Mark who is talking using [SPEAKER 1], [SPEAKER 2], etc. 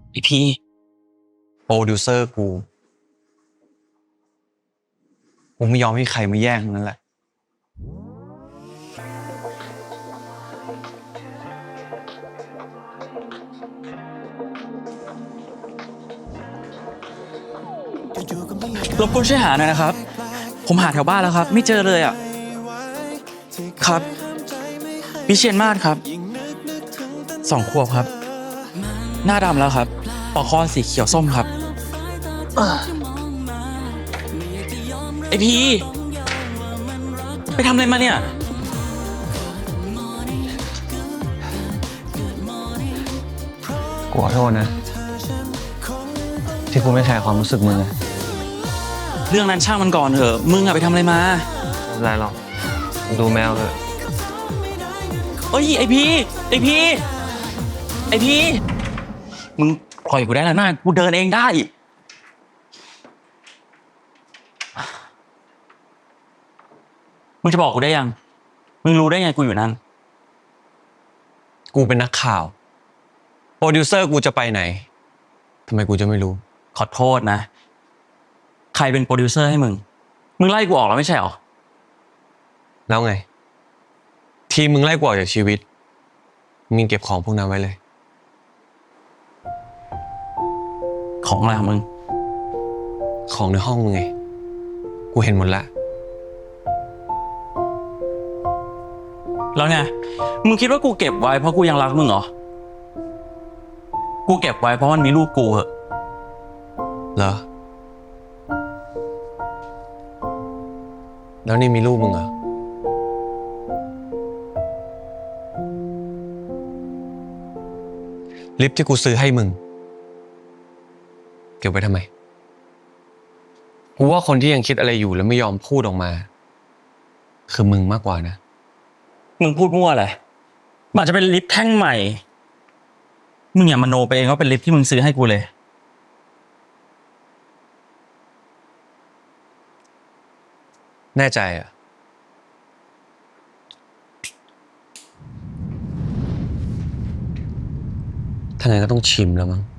[SPEAKER 1] ไอพี่โปรดิวเซอร์กูไม่ยอมให้ใครมาแย่งนั่นแหละรบกวนช่วยหาหน่อยนะครับผมหาแถวบ้านแล้วครับไม่เจอเลยอ่ะครับวิเชียรมาศครับ2 ขวบครับหน้าดำแล้วครับปอกคอสีเขียวส้มครับไอพีไปทำอะไรมาเนี่ย
[SPEAKER 2] กูขอโทษนะที่กูไม่แคร์ความรู้สึกมึงอะ
[SPEAKER 1] เรื่องนั้นช่างมันก่อนเถอะมึงอะไปทำอะไรมา
[SPEAKER 2] ไม่เป็นไรหรอกดูแมวเถอะ
[SPEAKER 1] เอ้ยไอพีมึงปล่อยกูได้แล้วนะกูเดินเองได้มึงจะบอกกูได้ยังมึงรู้ได้ไงกูอยู่นั่น
[SPEAKER 2] กูเป็นนักข่าวโปรดิวเซอร์กูจะไปไหนทำไมกูจะไม่รู้
[SPEAKER 1] ขอโทษนะใครเป็นโปรดิวเซอร์ให้มึงไล่กูออกแล้วไม่ใช่หรอ
[SPEAKER 2] แล้วไงทีมึงไล่กูออกจากชีวิตมึงเก็บของพวกนั้นไว้เลย
[SPEAKER 1] ของอะไรของมึง
[SPEAKER 2] ของในห้องมึงไงกูเห็นหมดละ
[SPEAKER 1] แล้วไงมึงคิดว่ากูเก็บไว้เพราะกูยังรักมึงเหรอกูเก็บไว้เพราะมันมีรูปกูเหรอ
[SPEAKER 2] เหรอแล้วนี่มีรูปมึงเหรอลิปที่กูซื้อให้มึงเก็บไว้ทำไมกูว่าคนที่ยังคิดอะไรอยู่แล้วไม่ยอมพูดออกมาคือมึงมากกว่านะ
[SPEAKER 1] มึงพูดมั่วอะไรมันจะเป็นลิปแท่งใหม่มึงอย่ามโนไปเองว่าเป็นลิปที่มึงซื้อให้กูเลย
[SPEAKER 2] แน่ใจอ่ะถ้างั้นก็ต้องชิมแล้วมั้ง